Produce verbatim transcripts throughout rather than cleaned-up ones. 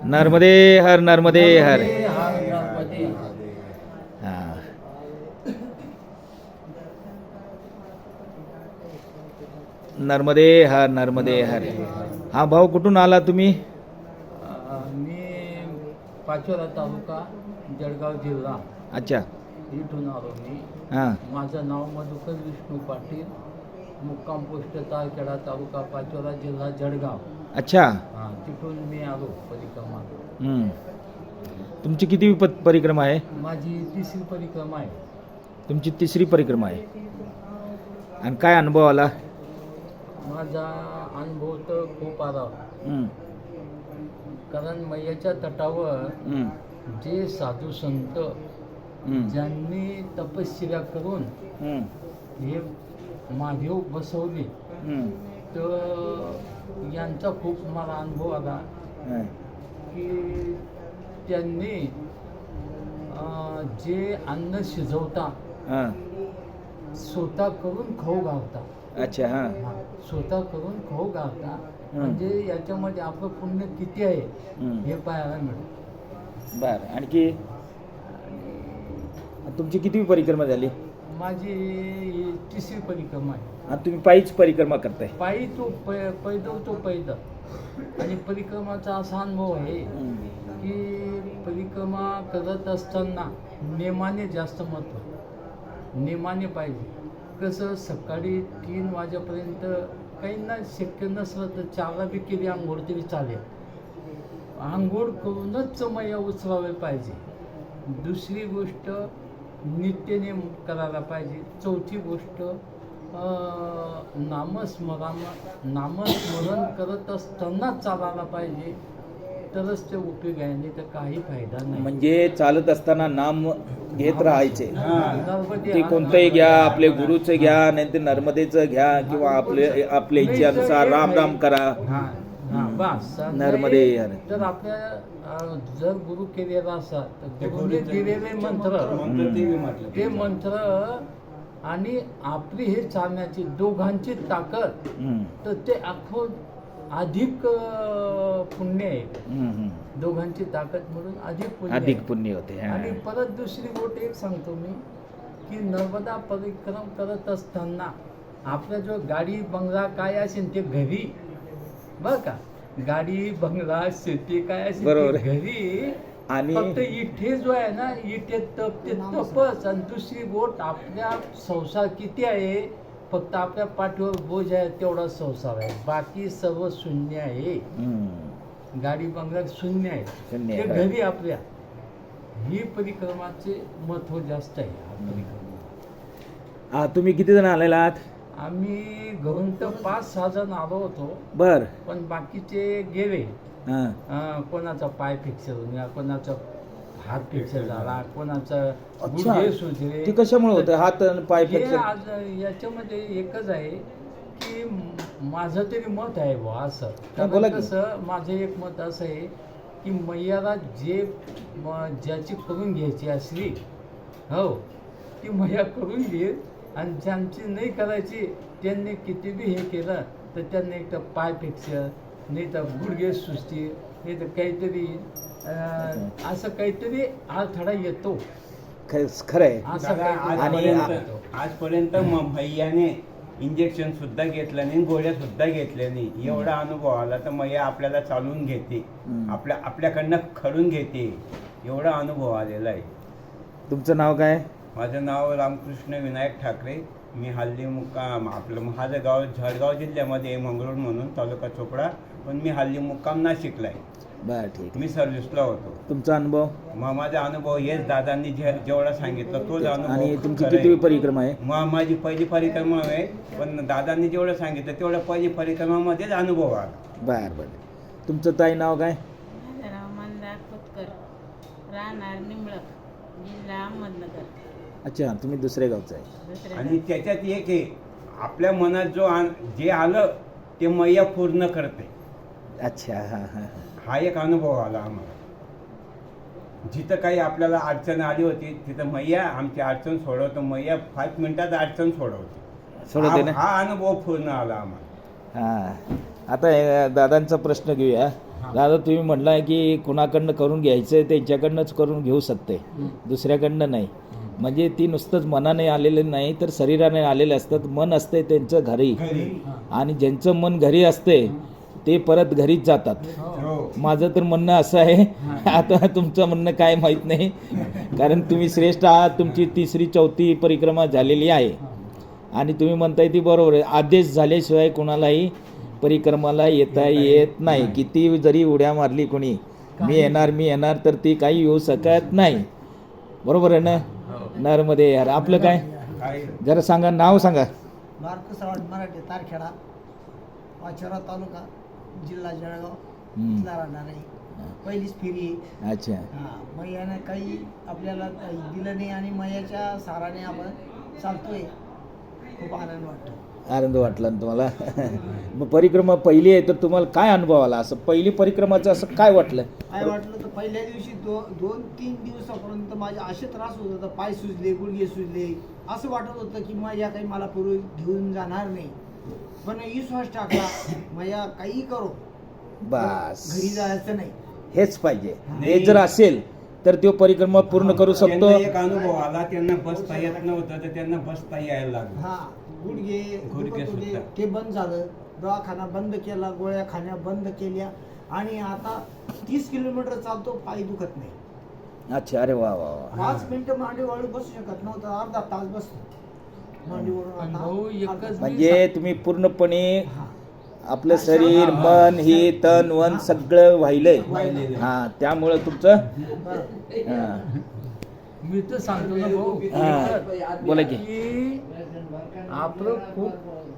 नर्मदे हर नर्मदे हर नर्मदे हा. नर्मदे हर नर्मदे हर. हा भाऊ कुठून आला तुम्ही? मी पाचोरा तालुका जळगाव जिल्हा अच्छा. इथून आलो मी. हां माझं नाव मधुकर विष्णू पाटील, मुक्काम पोस्ट तारखेडा तालुका पाचोरा जिल्हा जळगाव. अच्छा. हां तिथून मी आलो परिक्रमा. हम्म. तुमची किती प परिक्रमा आहे? माझी तिसरी परिक्रमा आहे. तुमची तिसरी परिक्रमा आहे. आणि काय अनुभव आला? माझा अनुभव तर खूप आला, हम्म. कारण मैयाच्या तटावर हम्म. जे साधू संत हम्म. ज्यांनी तपश्चर्या करून हम्म. हे महादेव बसवले, हम्म. तर यांचा खूप मला अनुभव आला हां. की त्यांनी अं, जे अन्न शिजवता हां. स्वतः करून खाऊ घालता. अच्छा. हां. हा, स्वतः करून खाऊ घालता म्हणजे याच्यामध्ये आपलं पुण्य किती आहे हम्म. हे पाहायला मिळतं. बरं. आणखी तुमची किती परिक्रमा झाली? माझी ही तिसरी परिक्रमा आहे. आणि तुम्ही पायीच परिक्रमा करताय? पायी तो पै पैदल तो पैदल. आणि परिक्रमाचा असा अनुभव आहे की परिक्रमा करत असताना नेमाने जास्त महत्त्व, नेमाने पाहिजे. कसं सकाळी तीन वाजेपर्यंत काहींना शक्य नसलं तर चारला बी केली आंघोळ तरी चालेल. आंघोळ करूनच मैया उचलावे पाहिजे. दुसरी गोष्ट नित्यनेम करायला पाहिजे. चौथी गोष्ट नामस्मरण नामस्मरण करत असतानाच चालायला पाहिजे, तरच ते उपयोग आहे, नाही तर काही फायदा नाही. म्हणजे चालत असताना नाम घेत राहायचे. नर्मदे ते हा- कोणतंही घ्या, आपले गुरुचं घ्या, नाही ते नर्मदेचं घ्या, किंवा आपले आपल्या इच्छेनुसार राम राम करा. हा हा बस. नर्मदे नाही हर. तर आपल्या अं, जर गुरु केलेला असा तर गुरुने दिलेले मंत्र, ते मंत्र आणि आपली हे चालण्याची दोघांची ताकद, हम्म. तर ते अख्खं अधिक अं, पुण्य आहे. हम्म. हम्म. दोघांची ताकद म्हणून अधिक पुण्य अधिक आहे. पुण्य होते. हां. आणि परत दुसरी गोष्ट एक सांगतो मी की नर्मदा परिक्रम करत असताना आपला जो गाडी बंगला काय असेल ते घरी, बरं का, गाडी बंगला शेती काय असेल बरोबर ते घरी. आणि फक्त इथे जो आहे ना, इथे तप ते तपच. आणि दुसरी गोष्ट आपल्या संसार किती आहे, फक्त आपल्या पाठीवर बोज आहे तेवढा संसार आहे, बाकी सर्व शून्य आहे. हम्म. गाडी बंगल्यात शून्य आहे, शून्य ते आहे. घरी आपल्या. ही परिक्रमाचे महत्व जास्त आहे. हा परिक्रमा हा, तुम्ही किती जण आलेला आहात? आम्ही घरून तर पाच सहा जण आलो होतो, बर. पण बाकीचे गेले. हां. अं, कोणाचा पाय फ्रॅक्चर झाला, कोणाचा हात फ्रॅक्चर झाला, कोणाचा अच्छा. गुडघे सुजले. ते कशामुळे होतं हात आणि पाय हे फ्रॅक्चर? आज याच्यामध्ये एकच आहे की म- माझं तरी मत आहे बुवा असं. हा, बोला कारण की. कसं माझं एक मत असं आहे की मैयाला जे म- ज्याची करून घ्यायची असली, हो, ती मैया करून घेईल. आणि ज्यांची नाही करायची त्यांनी किती बी हे केलं तर त्यांना एक तर पाय फ्रॅक्चर, नाही तर गुडघे सुस्ती, नाही तर काहीतरी अं, असं काहीतरी अडथळा येतो. ख- खरं आहे. असं दादा, काहीतरी आजपर्यंत अडथळा येतो. आजपर्यंत म- भैयाने इंजेक्शन सुद्धा घेतलं नाही, गोळ्या सुद्धा घेतल्या नाही. एवढा अनुभव आला तर मैया आपल्याला चालून घेते, हम्म. आपल्या आपल्याकडनं खडून घेते, एवढा अनुभव आलेला आहे. तुमचं नाव काय? माझं नाव रामकृष्ण विनायक ठाकरे. मी हल्ली मुक्काम आपलं माझं गाव जळगाव जिल्ह्यामध्ये आहे, मंगरूळ म्हणून, तालुका चोपडा. पण मी हल्ली मुक्काम नाशिकला आहे. बर, ठीक. मी सर्व्हिसला होतो. तुमचा अनुभव? मग माझा अनुभव हेच दादांनी जे जेवढा सांगितलं तोच अनुभव. आणि तुमची खरं किती आहे. परिक्रमा आहे? मग माझी पहिली परिक्रमा आहे, पण दादांनी जेवढं सांगितलं तेवढं पहिली परिक्रमामध्येच अनुभव आला. बर बर. तुमचं ताई नाव काय? माझं नाव मंदा खोतकर, राहणार निंबळक, जिल्हा अहमदनगर. अच्छा, तुम्ही दुसऱ्या गावचं आहे. दुसऱ्या आणि त्याच्यात एक आहे, आपल्या मनात जो आन- जे आलं ते मैया पूर्ण करते. अच्छा. हां हां. हा एक अनुभव आला आम्हाला. जिथं काही आपल्याला अडचण आली होती तिथं मैया आमची अडचण सोडवतो. मैया पाच मिनिटात अडचण सोडवते. सोडवते हा ना? हा अनुभव पूर्ण आला आम्हाला. हां. आता हे दादांचा प्रश्न घेऊया. दादा तुम्ही म्हणला की कुणाकडनं करून घ्यायचं त्यांच्याकडनंच करून घेऊ शकते, दुसऱ्याकडनं नाही. म्हणजे ती नुसतंच मनाने आलेले नाही तर शरीराने आलेले असतात. मन असते त्यांचं घरी, आणि ज्यांचं मन घरी असते ते परत घरीच जातात. माझं तर म्हणणं असं आहे. आता तुमचं म्हणणं काय माहीत नाही, कारण तुम्ही श्रेष्ठ आहात. तुमची तिसरी चौथी परिक्रमा झालेली आहे आणि तुम्ही म्हणताय ती बरोबर आहे. आदेश झाल्याशिवाय कोणालाही परिक्रमाला येता येत नाही. किती जरी उड्या मारली कोणी मी येणार मी येणार तर ती काही येऊ शकत नाही. बरोबर आहे ना? नरमध्ये यार आपलं काय जरा सांगा, नाव सांगा. मार्कस रावड मराठे, तारखेडा, पाचोरा तालुका, जिल्हा जळगाव हम्म. इथला राहणार आहे. पहिलीच फेरी आहे. अच्छा. हां, मैयानं काही आपल्याला काही दिलं नाही आणि मैयाच्या साराने आपण चालतोय. खूप आनंद वाटतो. आनंद वाटला ना तुम्हाला? मग परिक्रमा पहिली आहे तर तुम्हाला काय अनुभव आला? असं पहिली परिक्रमाचं असं काय वाटलं? काय वाटलं तर पहिल्या दिवशी दो दोन तीन दिवसापर्यंत माझे असे त्रास होत होता, पाय सुजले, गुडघे सुजले. असं वाटत होतं की मैया काही मला पूर्वी घेऊन जाणार नाही. पण विश्वास टाकला, मैया काही करो, बस घरी जायचं नाही. हेच पाहिजे. हे जर असेल तर तो परिक्रमा पूर्ण करू शकतो. त्यांना एक अनुभव आला, त्यांना बसता येत नव्हतं तर त्यांना बसता यायला लागलं. हा, गुडघे गुडघे दुखत होते, सुद्धा. ते बंद झालं. दवाखाना बंद केला, गोळ्या खाण्या बंद केल्या आणि आता तीस किलोमीटर चालतो, पाय दुखत नाही. अच्छा. अरे वा वा वा. पाच मिनिटं मांडीवर बसू शकत नव्हतं, अर्धा तास बसतो मांडीवरून. अनुभव आता एकच अर्धा- म्हणजे तुम्ही पूर्णपणे हा. आपलं शरीर, मन, हे तन वन सगळं वाहिलंय. वाहिलेलं. हा, त्यामुळं तुमचं बरं. हा. मी तर सांगतो ना भाऊ, हा. बोला की. की आपलं खूप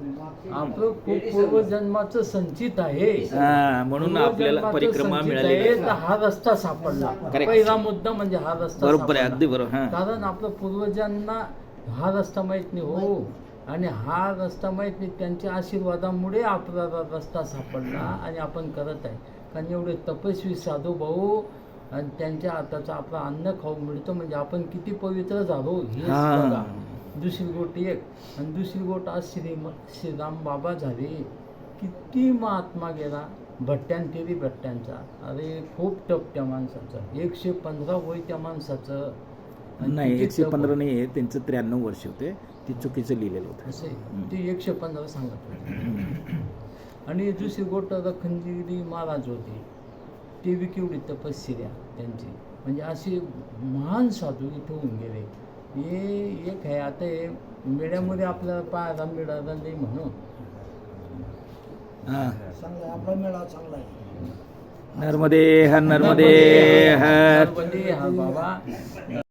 आपलं खूप पूर्वजन्माचं संचित आहे. हा, म्हणून आपल्याला पूर्वजन्माचं परिक्रमा संचित मिळालेली आहे, आहे. तर हा रस्ता सापडला. Correct. पहिला मुद्दा म्हणजे हा रस्ता बरोबर आहे, सापडला. अगदी बरोबर. हा. कारण आपल्या पूर्वजांना हा रस्ता माहित नाही हो, आणि हा रस्ता माहित नाही. त्यांच्या आशीर्वादामुळे आपल्याला रस्ता सापडला आणि आपण करत आहे. कारण एवढे तपस्वी साधू भाऊ आणि त्यांच्या हाताचं आपलं अन्न खाऊ मिळतं म्हणजे आपण किती पवित्र झालो हेच हा. बघा. दुसरी गोष्ट एक, आणि दुसरी गोष्ट आज श्री श्रीराम बाबा झाले. किती महात्मा गेला, भट्ट्यान केली भट्ट्यांचा. अरे खूप टप त्या माणसाचं, एकशे पंधरा वय त्या माणसाचं. आणि नाही, किती एकशे टप पंधरा नाही आहे त्यांचं, त्र्याण्णव वर्ष होते. ती चुकीचं लिहिलेलं होतं. असे ते एकशे पंधरा सांगत होते. आणि दुसरी गोष्ट रखंजिरी महाराज होते, ते बी केवढी तपश्चर्या त्यांची. म्हणजे असे महान साधू इथे होऊन गेले. हे एक आहे. आता हे मेळ्यामध्ये आपल्याला पाहायला मिळालं नाही म्हणून. हा. चांगला आहे, आपला मेळावा चांगला आहे. नर्मदे हर, नर्मदे हर. नर्मदे हर बाबा.